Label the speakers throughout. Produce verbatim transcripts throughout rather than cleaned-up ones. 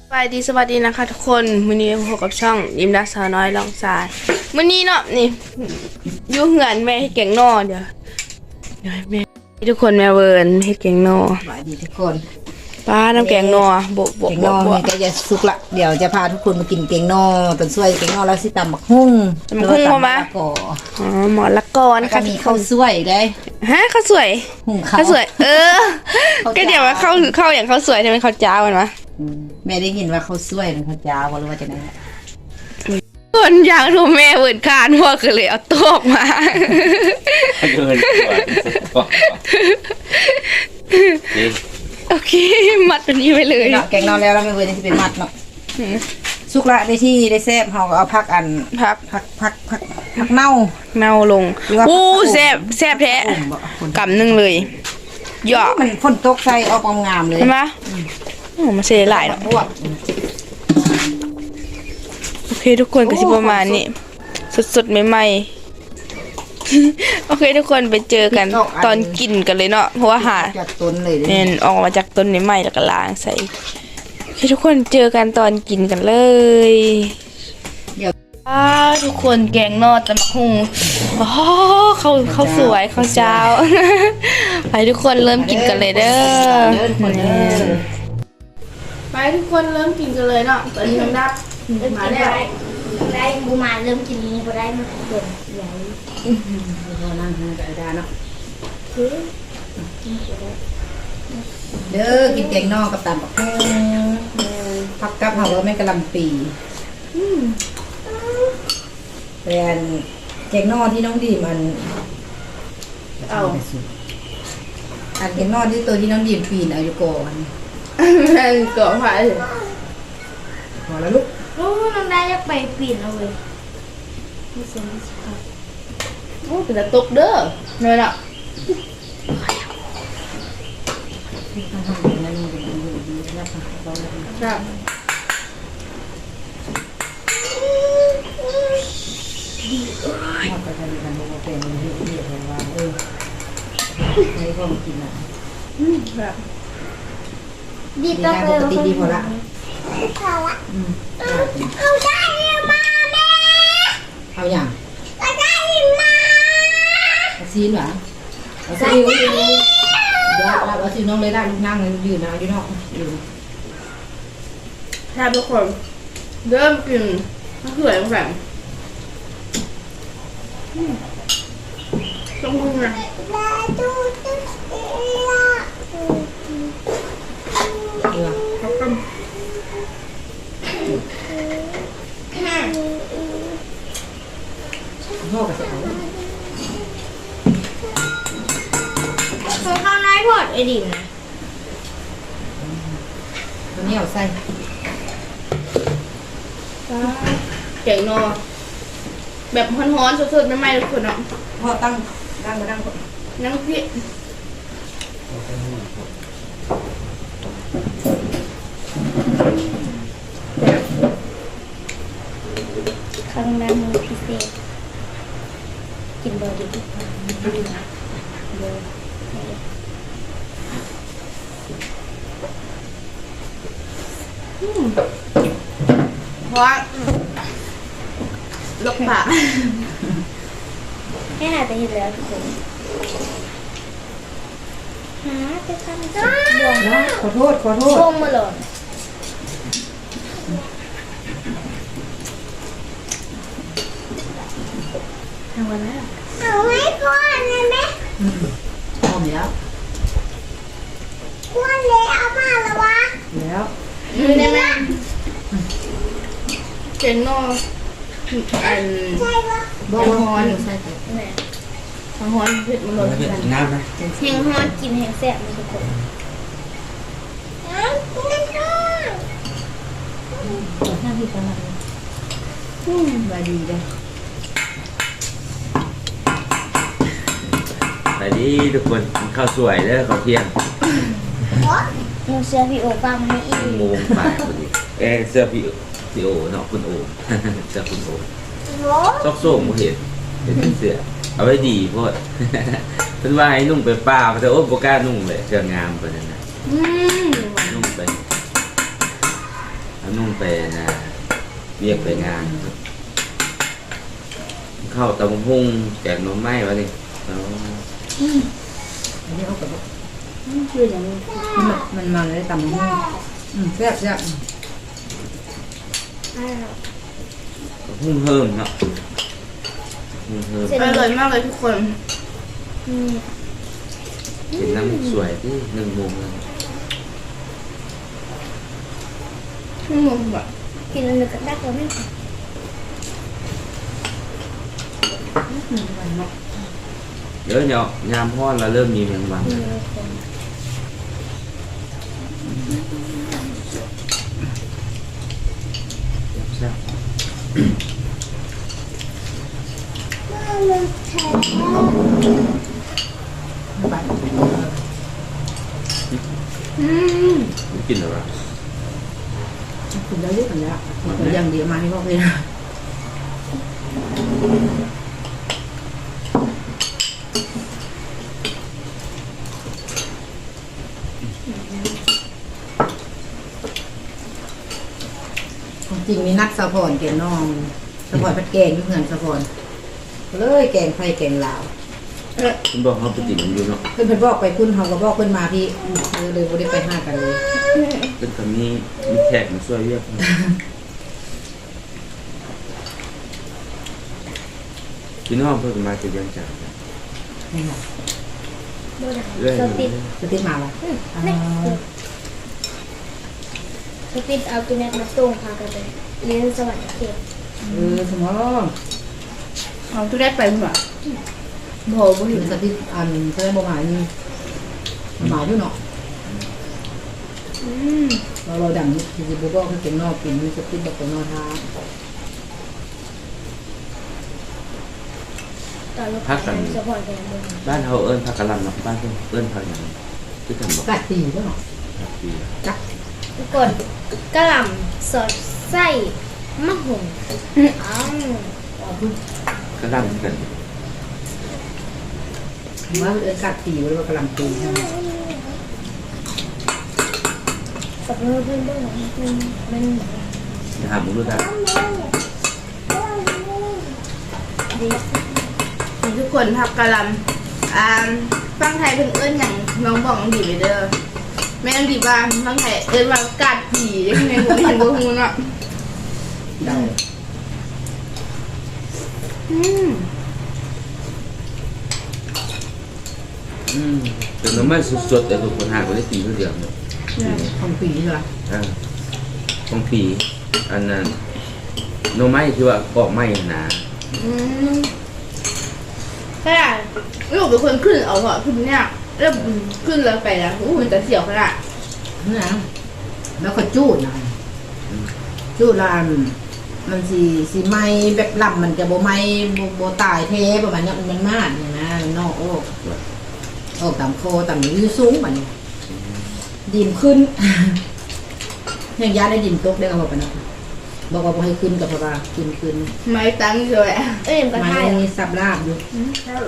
Speaker 1: สวัสดีสวัสดีนะคะทุกคนมื้อนี้พบกับช่องยิมดักสาวน้อยลองทรายมื้อนี้เนาะนี่อยู่เหือนแม่เฮ็ดแกงนอเดี๋ยวเดี๋ยวแม่ทุกคนแม่เวิร์นเฮ็ดแกงนอ
Speaker 2: สวัสดีทุกคน
Speaker 1: ป้าน้ำแกงนอโบโบ
Speaker 2: แกง
Speaker 1: โบ
Speaker 2: นอ
Speaker 1: โบ
Speaker 2: นี่ก็จะสุกละเดี๋ยวจะพาทุกคนมากินแกงนอต้นซวยแกงนอแล้วสิตำบักหุ่ง
Speaker 1: ตำบักหุ่งมา
Speaker 2: ก่อ
Speaker 1: อ๋อหมอละกอน
Speaker 2: แล้วก็
Speaker 1: ค่ะ
Speaker 2: มีข้าวซวยได้
Speaker 1: ฮะข้าวสวย
Speaker 2: หุ่งข้าว
Speaker 1: ข้าวสวย เออ
Speaker 2: ข้าว
Speaker 1: ก็เดี๋ยวว่าข้าวข้าวอย่างข้าวสวยใช่ไหมข้าวจ้ามันวะ
Speaker 2: อืมแม่ได้ยินว่าข้าวซวยนะข้าวจ้าวหรือว่าจะไหน
Speaker 1: คนอยากดูแม่เวิร์นคานพวกก็เลยเอาโต๊ะมา
Speaker 3: เกินกว่าจริง
Speaker 1: โอเคมัดตัวนี้ไปเลย
Speaker 2: เนาะแกงนอแล้วเราไม่เว้นที่เป็นมัดเนาะสุกละได้ที่ได้แซ่บเฮาก็เอาผักอัน
Speaker 1: พัก
Speaker 2: ผักผักผักผักเน่า
Speaker 1: เน่าลง
Speaker 2: หรือว่า
Speaker 1: อู้แซ่บแซ่บแท้
Speaker 2: อุ่มบ่คน
Speaker 1: กำหนึ่งเลยเหยาะ
Speaker 2: มันฝนตกใส่ออกงามๆเลย
Speaker 1: เห็นไหมโอ้มาเสียหลายเนาะ
Speaker 2: บวก
Speaker 1: โอเคทุกคนก็สิประมาณนี้สดๆใหม่ๆ โอเคทุกคนไปเจอกันตอนกินกันเลยเนาะเพราะว่าหา
Speaker 2: จากต้นเลยเด้
Speaker 1: เนี่ยออกมาจากต้นใหม่ๆแล้วก็ล้างใส่โอเคทุกคนเจอกันตอนกินกันเลย
Speaker 2: เดี๋ยว
Speaker 1: อ้าทุกคนแกงนอดตะมะฮุงอ๋อเขาเขาสวยเขาเจ้า ไปทุกคนเริ่มกินกันเลยเด้อ
Speaker 2: เดินคนเด้อ
Speaker 1: ไปทุกคนเริ่มกินกันเลยเนาะตอนนี้มันดับมาแล้ว
Speaker 4: ได้บูมาเริ่มกินนี้พอได้มาเกินใหญ่
Speaker 2: เรานั่งทานกับไอ้ดาเนาะเด้อกินแกงนอกกับตำบักหุ่งผักกับเฮาว่าแม่กะหล่ำปีเป็นแกงนอกที่น้องดีมัน
Speaker 1: เอา
Speaker 2: อันแกงนอกที่ตัวที่น้องดีมปีนเอาอยู่ก่อน
Speaker 1: แม่เกาะไผ่
Speaker 2: พอแล้วลูก
Speaker 4: โอ้น้องได้จะไปปีนเอาเลยไม่สนไม่สน
Speaker 1: โอ้เป็นตะตกเด้อเนยน่ะ
Speaker 2: นั่นเป็นอยู่ดีนะครับเราเลย
Speaker 1: ครับ
Speaker 2: มอบไปทำกันโมเป็นเรื่องที่เรียกว่าเออให้พ่อมากินอ่ะ
Speaker 1: อืมแบบ
Speaker 4: ดี
Speaker 2: ดี
Speaker 4: ต้อง
Speaker 2: งาน
Speaker 4: เล
Speaker 2: ป
Speaker 4: ย
Speaker 2: กติดีพอละ
Speaker 4: พอละ
Speaker 2: อืม
Speaker 4: เอาได้มาแม่
Speaker 2: เอาอย่าง
Speaker 4: เอาได้มา
Speaker 2: เอาซีนเหรอเอาซีนเดี๋ยวเราเอาซีนน้องเลยได้ลูกนั่งเลยยืนนะยืนนอกยืน
Speaker 1: ครับทุกคนเริ่มกินมะเขือแบบต้องมึงนะ
Speaker 4: ได้ดูดูละ
Speaker 2: เออ
Speaker 1: เขาก็
Speaker 2: พ่อกับเสา
Speaker 4: ของข้าวน้อยพอดไอ้ดิ่งนะ
Speaker 2: ตัวนี้เอาใส่
Speaker 1: เก่งนอแบบฮ้อนๆสดๆใหม่ๆทุกคนเนาะ
Speaker 2: พ่อตั้งตั้งมาตั้งก่อน
Speaker 1: น้ำพริก
Speaker 4: ข้างหน้ามือพิเศษกินเบอร์ดีทุกคน
Speaker 1: เพราะว่าลกปาก
Speaker 4: ให้หายไปเห็นแล้วทุกคนหาจะทำจ้าบวง
Speaker 2: นะขอโทษขอโทษ
Speaker 4: บวงมาหล่นทำวันแล้วเอาให้พ่อเลยไหม
Speaker 2: พร้อมแล้ว
Speaker 4: พ่อเลยเอามาแล้ววะ
Speaker 2: แล้ว
Speaker 1: ได้ไหมเก่งนออัน
Speaker 4: ใช่ปะ
Speaker 2: บอกว่าใส่
Speaker 4: แม่
Speaker 1: ทางฮ้อนเผ็ดมันหล่น
Speaker 3: ไม่เป็น
Speaker 1: กัน
Speaker 3: น้ำนะ
Speaker 4: แห้งฮอดกินแห้งแซ่บมันทุกคนเอากินกันเถอะ
Speaker 2: หน้าที่ประมาณนี้อืมบาดีเลย
Speaker 3: สวัสดีทุกคนข้าวสวยเด้อข้าวเที่ยง
Speaker 4: หนูเชื่อพี่โอฟังไม่อีก
Speaker 3: โมงบ่ายพอดีเออเสื้อพี่พี่โอเนาะคุณโอ เสื้อคุณโอ
Speaker 4: โอ้
Speaker 3: ซอกโซ่ผมเห็นเป็นเสื้อเอาไว้ดีโพด เพิ่นว่าให้นุ่งไปป่าแต่โอ้บ่กล้านุ่งเลยเสื้องามปานนั้นนะ
Speaker 1: อืม
Speaker 3: นุ่งไป เเขานุ่งไปนะเรียกไปงานเข้าตำหุ่งแกงหน่อไม้วะนี่แล้ว
Speaker 2: อันนี้เอากับ
Speaker 4: ชื่ออย่างนี้
Speaker 2: มันมันมันเลยตำหูอืมแซ่บแซ่บ
Speaker 4: อ้าว
Speaker 3: หุ่งเพิ่มเนาะหุ่งเพิ่ม
Speaker 1: อร่อยมากเลยทุกคน
Speaker 4: อืม
Speaker 3: กินน้ำสวยที่หนึ่งโมงแล้ว
Speaker 1: ชั่วโมงแบบ
Speaker 4: กินแล้วนึกได้ก็ไม่พอ
Speaker 3: เดี๋ยวเนาะยามพ่อเราเริ่มมีแมงวัน
Speaker 4: อืมคน
Speaker 3: แซ่บ
Speaker 2: ไป
Speaker 1: อืม
Speaker 3: กินหรือเปล่า
Speaker 2: คุณได้เยอะกันแล้วแต่ยังเดียวมาให้พ่อเลยนะจริงมีนัดสะพอนแกงน้องสะพอนพัดแกงยุ่งเงินสะพอนเลยแกงไฟแกงลาว
Speaker 3: คุณบอกเขาไปกินมันอยู่เนาะ
Speaker 2: เพื่อนเพื่อนบอกไปคุณเขาก็บอกเพื่อนมาพี่เลยเลยไม่ได้ไปห้ากันเลย
Speaker 3: เป็นคำนี้มีแขกมาช่วยเรียกพี่น้องเพิ่งมาจะยังจ่าย
Speaker 2: นี่ค่ะ
Speaker 4: โดน
Speaker 3: เรื่อย
Speaker 4: สติด
Speaker 2: จะติดมาละ
Speaker 4: อืมนี่สติดเอาตัวนี้มาส่งพากันไปเรียนสวรรค์เขต
Speaker 2: เออสมอง
Speaker 1: เอาทุกได้ไปมั้งบ่โหบ่
Speaker 2: ถึ
Speaker 1: เห็
Speaker 2: ง
Speaker 1: น
Speaker 2: สติอันแสดงบ่หมายนี่หมายด้วยเนาะ
Speaker 1: อืม
Speaker 2: เราเราดังที่จะบอกว่าเก่งนอกกินสติแบบนอกท้า
Speaker 4: ตอนเราไปสปอร์ตกันเลย
Speaker 3: บ้านเขาเอิ้นผักกะหล่ำเนาะบ้านเพิ่นเอิ้นผักอย่างที่ทำบอก
Speaker 2: กัดตีด้วยเนาะ
Speaker 3: ผักปี
Speaker 2: จัก
Speaker 4: ทุกคนกะหล่ำสอดไส้มะฮุงอ้าว
Speaker 3: กะหล่ำกัน
Speaker 2: ว่าเออกัดตีหรือว่ากำลังตีใช่ไหม
Speaker 4: สับเพื่อนเพื่อนด้วยมันมัน
Speaker 3: จะหามุ้งรู้ได้
Speaker 4: ดี
Speaker 1: นี่ทุกคนพักกะหลำอ่าฟังไทยเพิ่นเอิ้นอย่างน้องบอกน้องดีไปเด้อแม่น้องดีว่าฟังไทยเอิ้นว่ากาดผียังไงบ่เห็นบ่ฮู้เนาะ
Speaker 2: ได้
Speaker 1: อืม
Speaker 3: อืมเป็นน้ำมันสดๆแต่ทุกคนหาก็ได้ตีเท่าเดียวเนาะ
Speaker 2: ของปีใช่ไหม
Speaker 3: อ่าของปีอันนั้นโนไม้ที่ว่าปอกไม้หนา
Speaker 1: อืมขนาดลูกเป็นคนขึ้นเอาเหรอขึ้นเนี่ยแล้วขึ้นแล้วไปแล้วอู้มันจะเสียวขนาด
Speaker 2: นี่นะแล้วก็จูดนะจูดลานมันสีสีไม้แบบลำมันจะโบไม้โบตายเทประมาณนี้มันมากเนี่ยนะนอกโอ้โอ้ต่ำโคต่ำยืดสูงแบบนี้ดินขึ้นยังย้ายได้ดินตกได้เอาไปนะบอกว่าให้ขึ้นกับพระขึ้นขึ้น
Speaker 1: ไม่ตั้งเลยอ่ะ
Speaker 4: เอ้ยมันก็
Speaker 2: ไม้
Speaker 4: ใช่
Speaker 2: สับลาบอยู่
Speaker 1: อืมแล้ว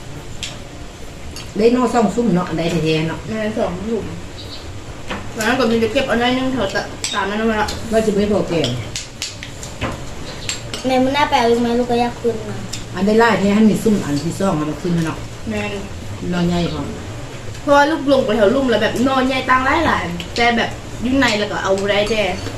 Speaker 2: ได้นอซ่องซุ่มเนาะได้แท้ๆเนาะ
Speaker 1: แม่สองหลุมวันนั้นก็มีจะเก็บเอาหน้อยนึงแถวตะตามนั้นมาละ
Speaker 2: ว่าจะไม่พอแก่
Speaker 4: แม่มันน่าแปลกไหมลูกก็อยากขึ้นมา
Speaker 2: อันได้ไล่แท้ให้มีซุ่มอันที่ซ่องมันขึ้นเนาะ
Speaker 1: แม่น
Speaker 2: นอนใหญ่พอ
Speaker 1: เพราะว่าลูกลงไปแถวลุ่มแล้วแบบนอนใหญ่ตังหลายหลายแต่แบบยุ่งในแล้วก็เอาได้แต่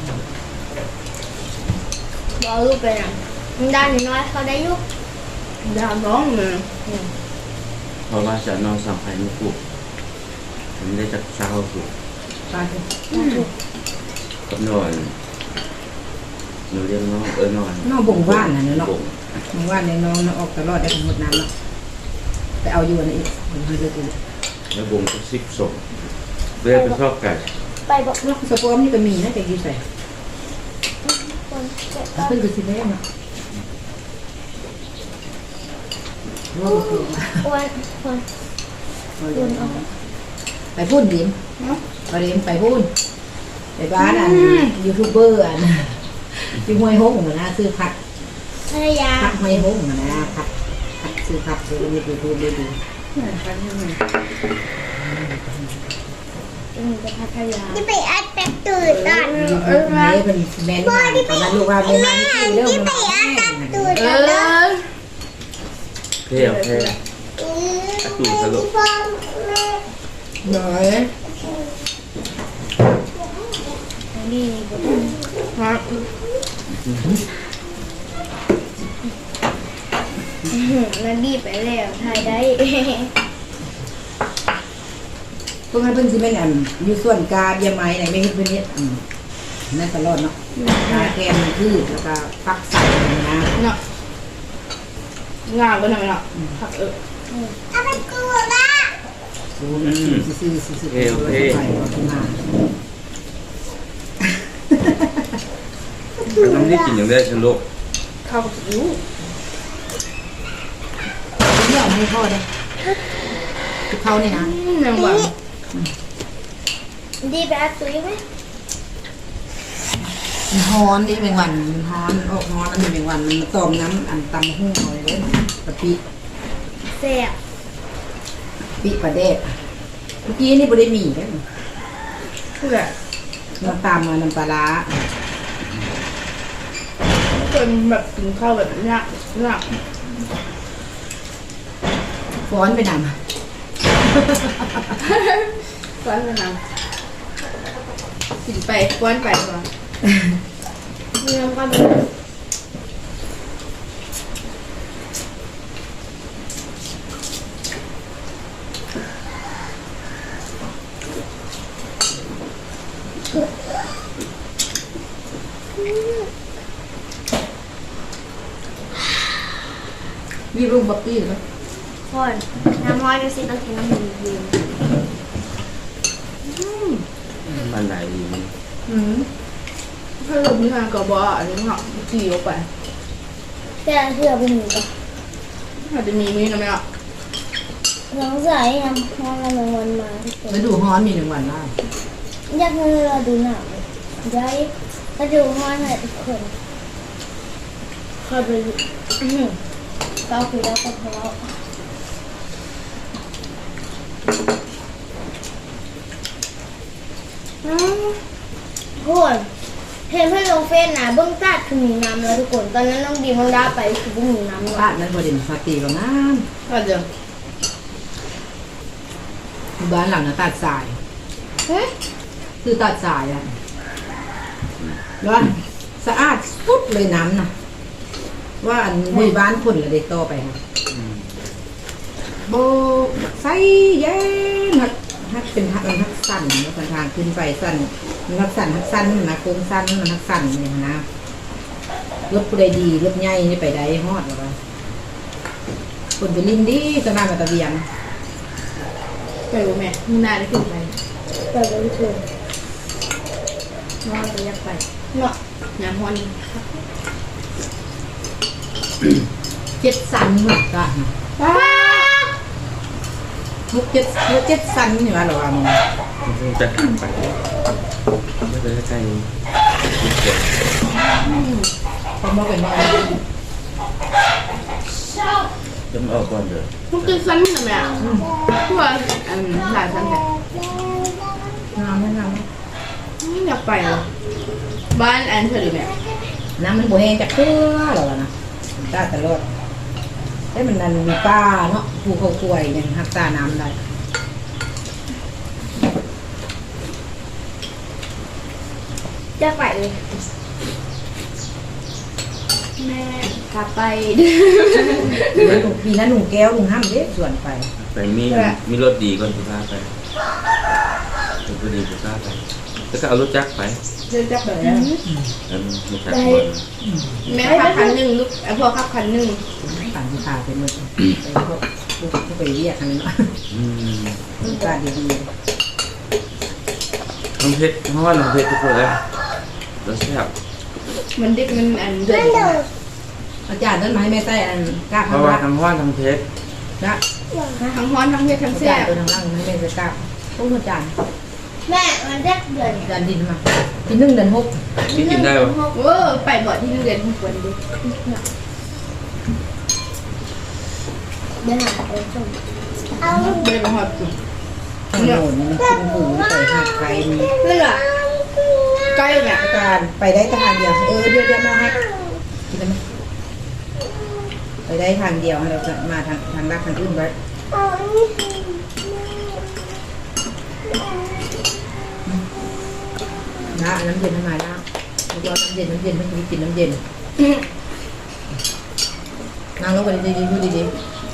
Speaker 4: บอกลูกไปนะมันด้านน้อยเขาได้ยุก
Speaker 1: ดาวน้องเลย
Speaker 3: เพราะว่าจะนอนสัมผัสไม่ถูกมันได้จากเช้าถูก
Speaker 2: ปลาเถอะ
Speaker 3: กับนอนหนูเรียกน้องเออนอน
Speaker 2: นอกบ่งว่านน่ะเนาะ
Speaker 3: บ่ง
Speaker 2: บ่งว่านในน้องเนาะออกตลอดได้ทั้งหมดน้ำเนาะไปเอาอยู่อันนี้อีกมันคือจะกิน
Speaker 3: แล้วบ่งก็ซิกส่งเวลาไปชอบไก่
Speaker 4: ไปบอก
Speaker 2: นอกสปอมนี่ก็มีนะแต่กี่ใส่
Speaker 4: คนเจ็บ
Speaker 2: ขึ้นคือสิแม่เนาะว่าก็คือ
Speaker 4: อ้วนคน
Speaker 2: ไปพูดดิมไปดิมไปพูดไปบ้านอันยูทูบเบอร์อันที่ห้วยหงเหมือนนะซื้อผัด
Speaker 4: ภรรยา
Speaker 2: ผัดห้วยหงเหมือนนะผัดผัดซื้อผัดซื้อในยูทูบเลยดู
Speaker 4: เนจะพัทยา
Speaker 5: ที่ไปอัดแป๊บตื่นตอน
Speaker 2: เออแม่เป็นแม่นมาตอนนั้นลูกว่าแม่มาที่เรื่อง
Speaker 5: ที่
Speaker 2: มัน
Speaker 5: ไปอัดแป๊บตื่น
Speaker 1: เอ
Speaker 5: ตอนนั้น
Speaker 1: อ
Speaker 3: เท่เท่ตูตลก
Speaker 5: พ่อแม่
Speaker 2: หน่อย
Speaker 4: นี่บท
Speaker 1: ฮะ
Speaker 4: นั่นดีไปแล้วถ่ายได้
Speaker 2: เพิ่งให้เพิ่นสิแม่นอันอยู่ส่วนกาเบียไม้ไหนไม่เฮ็ดเพิ่นเฮ็ดอืมนั่นตลอดเนาะกาแกนพืชแล้วก็ฟักใส่นะ
Speaker 1: เนาะงามก็ทำไมเนาะผักเออ
Speaker 5: เอาไปกูละ
Speaker 2: ซูมซื่อๆซื่อๆไปมา
Speaker 3: น้ำนี่กินอย่างได้ฉันโลก
Speaker 1: ข้าวกับยู
Speaker 2: เนี่ยเอาให้พ่อเด้ทุกเขานี่นะ
Speaker 1: แมงวัน
Speaker 5: ดีไปอัดตุ้ยไหม
Speaker 2: มันฮ้อนดิแมงวันมันฮ้อนออกฮ้อนอันนี้แมงวันมันต้มน้ำอันตำหุ้งเอาไว้เลยกะปิ
Speaker 4: แซ่บ
Speaker 2: ปิปลาเดดเมื่อกี้นี่บ่ได้มีเด้
Speaker 1: เพื่อ
Speaker 2: น้ำตาลมาน้ำปลาร้า
Speaker 1: จนแบบกินข้าวแบบเนี้ยเนี้ย
Speaker 2: ฟ้อนไปนำ
Speaker 1: ก้อนไปทำกินไปก้อนไปก่อนเนื้อก้อนไป
Speaker 2: มีรูปบักกี้เหรอ
Speaker 4: คนน้ำร้อนจะสิต้องกินน้ำมันเย็น
Speaker 3: มันไหนดีมัน
Speaker 2: อืม
Speaker 1: ถ้าเรามีทางกระบอกอันนี้เหรอจีออกไป
Speaker 4: แต่เชื่อเป็นหมูกับ
Speaker 1: อาจจะมีมีนะแม่อ่ะ
Speaker 4: น้องใส่ยังห้องกำลังวันมาทุกคน
Speaker 2: แล้วดูฮ้อนมีหนึ่งวันได้
Speaker 4: อยากให้เราดูหนังย้ายถ้าดูห้องให้ทุกคนเข้าไปเราคุยแล้วก็ทะเลาะทุกคนเห็นเพื่อนลงเฟซนะเบื้องตัดคือมีน้ำแล้วทุกคนตอนนั้นน้องดีมังดาไปคือไม่มีน้ำเลย
Speaker 2: บ้านนั้นพอดีมาฟาตีกับน้
Speaker 1: ก็เดี๋ยว
Speaker 2: ำบ้านหลังน่ะตัดสาย
Speaker 4: เฮ้ย
Speaker 2: คือตัดสายอ่ะร้อนสะอาดสุดเลยน้ำน่ะ ว่าอันบุยบ้านคนละเด็กต่อไปค่ะโบใส่เย็นฮักฮักเป็นฮักฮักสั้นแล้วทางขึ้นไปสั้นมันฮักสั้นฮักสั้นนะโค้งสั้นมันฮักสั้นเนี่ยนะรถผู้ใดดีรถใหญ่นี่ไปได้ฮอดหรอวะคนไปลินดีตะนานมาตะเบียง
Speaker 1: ไปบ่แม่มึงนานได้ขึ้นไป
Speaker 4: ไปเลยทุกคน
Speaker 1: นอนไปยักไป
Speaker 4: เนาะ
Speaker 1: น้ำฮอน
Speaker 2: เจ็ดสันเหมือนกัน
Speaker 1: ว้า
Speaker 2: มุกเจ็ดมุกเจ็ดสันนี่ว่าหรอวะมึง
Speaker 3: มันจะขันไปไม่เป็นใกล้ๆนี้เดี๋ยว
Speaker 2: พอมาเป็นว่า
Speaker 3: จะมาออกก่อนเดี๋ยว
Speaker 1: มันกินซ้ำนะแม่ทั่วอันหลายซ้ำแต่
Speaker 2: น้ำไม่น้
Speaker 1: ไม่อยากไปหรอบ้านอันเธอหรือแม่
Speaker 2: ำน้ำมันโบแห้งจากเกลือหรอวะนะตาตลอดได้มันนันมีป้าเนาะภูเขากล้วยยังหักตาน้ำได้
Speaker 4: จะไปเลย
Speaker 1: แม่กลับไป
Speaker 2: ปีนั้นหนุ่มแก้วหนุ่มห้ามเด็กส่วนไป
Speaker 3: ไปมีมีรถดีก่อนสุภาพไปรถดีสุภาพไปแล้วก็เอารถจักรไป
Speaker 1: เดินจับแบบนี้
Speaker 3: แล้วมันไม่จักรก่อน
Speaker 1: แม่ขับคันหนึ่งลูกไอ้พ่อขับคันหนึ่ง
Speaker 2: ปั่นที่ขาเป็นมือไปพวกพวกไปเรียกกันเนาะ
Speaker 3: อืม
Speaker 2: กาดีดี
Speaker 3: น้องเพชรเพราะว่าน้องเพชรทุกคนเลยรสแซ่บ
Speaker 1: มันดิบมันอันเดือด
Speaker 2: อาจารย์นั้นมาให้แม่ใต้อันกล้า
Speaker 3: เพ
Speaker 2: ข้าง
Speaker 3: ราะว่า
Speaker 2: ล่าง
Speaker 3: ทั้งว่านทั้งเพชร
Speaker 2: นะ
Speaker 1: ทั้งฮ้อนทั้งเผ็ดทั้ง
Speaker 2: อา
Speaker 1: แซ่
Speaker 2: จารย์
Speaker 1: บ
Speaker 2: ตัวทางล่างให้แม่ใต้กล้าพวกอาจารย์
Speaker 4: แม่มันจะเดือด
Speaker 2: อาจารย์ดินมาที่หนึ่งเดือนหก
Speaker 3: ที่กินได้ปะ
Speaker 1: เออไปบ่อที่เรียนทุกวันดิ
Speaker 4: เดี๋ยวหาไปส่ง
Speaker 5: เอา
Speaker 1: เดินมาหอบกิน
Speaker 2: โน่นนี่มันกินหมูใส่หักไก่นี่
Speaker 1: นี่แหละใกล้เนี่ย
Speaker 2: การไปได้ทางเดียวเออเดี๋ยวเดี๋ยวมาให้กินได้ไหมไปได้ทางเดียวเราจะมาทางทางลักทางอื่นไว้นะน้ำเย็นทำไมนะไม่ยอมน้ำเย็นน้ำเย็นไม่กินน้ำเย็นนั่งลงไปดีๆพูดดี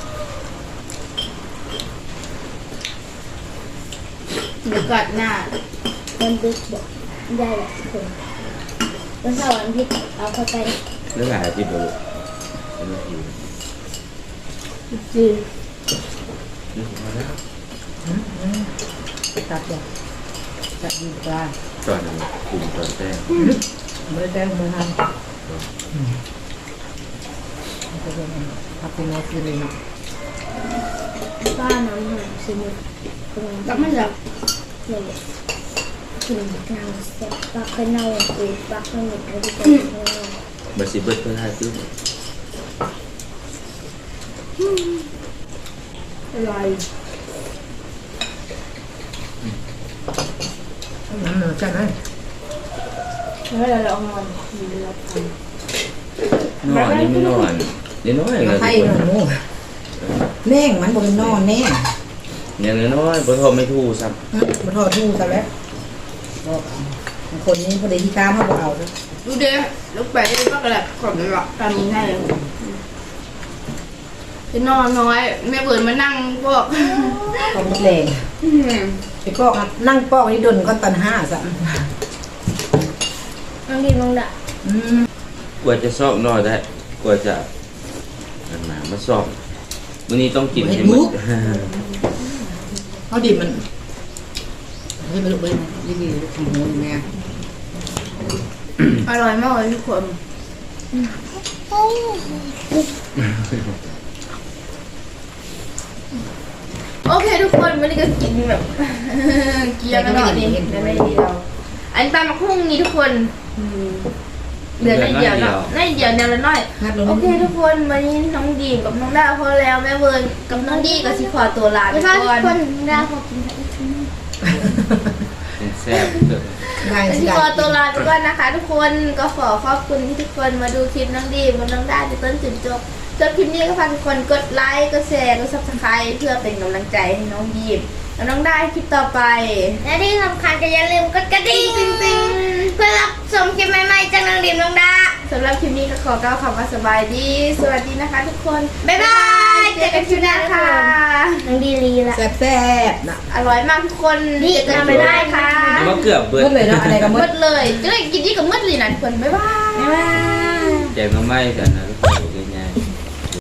Speaker 1: เดี๋ยวกัดหน้า
Speaker 4: มันดึกบอกได้แหละทุกคนวันเสาร์วันอาทิตย์เอาเข้าไป
Speaker 3: เรื่องอะไรที่ดูเป็นอะไรอยู่
Speaker 1: จี
Speaker 3: นี่มาแล้ว
Speaker 2: ๆตัดอย่างตัดดีกว่า
Speaker 3: ตอนนั้นกลุ่มตอนแรก
Speaker 2: ไม่ได้แจ้งมือทำจะเป็นทับเป็นโน้ตคือเลยเนาะ
Speaker 4: ป้าน้ำหอมสมุนกำลัง
Speaker 1: แล้วมันจะ
Speaker 4: เลยกินนางเสร็จปักเป็นเน่าอุยปักเป็นหมึกแล้วก็เป็นเน่า
Speaker 3: บัสิเบิร์ตเพื่อให้ตื้อ
Speaker 1: อร่อย
Speaker 2: น้ำเหนือใช่ไหม
Speaker 1: แล้วเราเอานอนมีเวลาท
Speaker 3: นอนนี่ไม่นอนเดี๋ยวน้อยเล
Speaker 2: มาย ไข่หน่อยมูแน่งมันบนนอนแน่ง
Speaker 3: อย่างน้อยๆพอโทรไม่ถูกซ้
Speaker 2: มันทอดทูซะแล้วคนนี้พอดีที่กล้าเขาบอกเอาเลย
Speaker 1: ำดูเด้ลูกไปได้บ้างกันแหละขอบคุณหรอกตามนี้ให้เลยจะนอนน้อยแม่เบิร์นมานั่งพวก
Speaker 2: ต้องแรงไปปอกนั่งปอกนี่ดนก็ตันห้าสะ
Speaker 4: น้องดีน้องดะ
Speaker 2: อืม
Speaker 3: ำกว่าจะซอกนอนได้กว่าจะอันมามาซอกวันนี้ต้องกินให้หมด
Speaker 2: เขาดิบมันให้ไปลูกไปดีๆของหมูแม่
Speaker 1: อร่อยมากเลยทุกคน โอเคทุกคนวันนี้ก็กินแบบ เกี๊ยวกันหน่อยนี่ได้ไม่ดีเราอันตามมาพุ่งนี้ทุกคนอืมเหลือในเดียวเนาะในเดียวแนวละน้อย
Speaker 2: งัดลง
Speaker 1: โอเคทุกคนวันนี้น้องดีมกับน้องดาวพอแล้วแม่เวิร์นกับน้องดีก็สิขอตัวลาไป
Speaker 4: ไม่ชอบ
Speaker 1: ก่อน
Speaker 4: คนดาวขอกินอีกที
Speaker 3: แซ่บเกิน
Speaker 2: ได้
Speaker 1: ก็
Speaker 2: สิ
Speaker 1: สิ
Speaker 2: ได้
Speaker 1: ขอตัวลาไปก่อนนะคะ ทุกคนก็ขอขอบคุณที่ทุกคนมาดูคลิปน้องดีมกับน้องดาวจนต้นจนจบจบคลิปนี้ก็ฝากทุกคนกดไลค์กดแชร์กดซับสไครต์เพื่อเป็นกำลังใจให้น้องดีมและน้องได้คลิปต่อไป
Speaker 4: และที่สำคัญก็อย่าลืมกดกระดิ่งเพื่อรับชมคลิปใหม่ๆจากน้องดีมน้องดา
Speaker 1: สำหรับคลิปนี้ก็ขอกล่าวคำว่าสบายดี สวัสดีนะคะทุกคน
Speaker 4: บ๊ายบาย
Speaker 1: เจอกันคลิปหน้าค่ะ
Speaker 4: น้องดีลีละ
Speaker 2: แซ่บๆนะ
Speaker 1: อร่อยมากทุกคน
Speaker 4: นี่
Speaker 1: เจอกัน
Speaker 4: ทำ
Speaker 1: ค
Speaker 4: ไม่
Speaker 1: ลิปห
Speaker 4: ได้
Speaker 1: น้า
Speaker 4: ค่ะ
Speaker 1: ค่ะ
Speaker 3: แต่ว่าเกือบเบิร์
Speaker 2: หมดเลยเนาะอะไรก็หม
Speaker 1: มื
Speaker 2: ด
Speaker 1: ดเลยจะได้กินนี่กับมืดเลยนะทุกคน บ๊ายบาย
Speaker 4: บ๊ายบาย
Speaker 3: แจกน้ำไม้กันนะ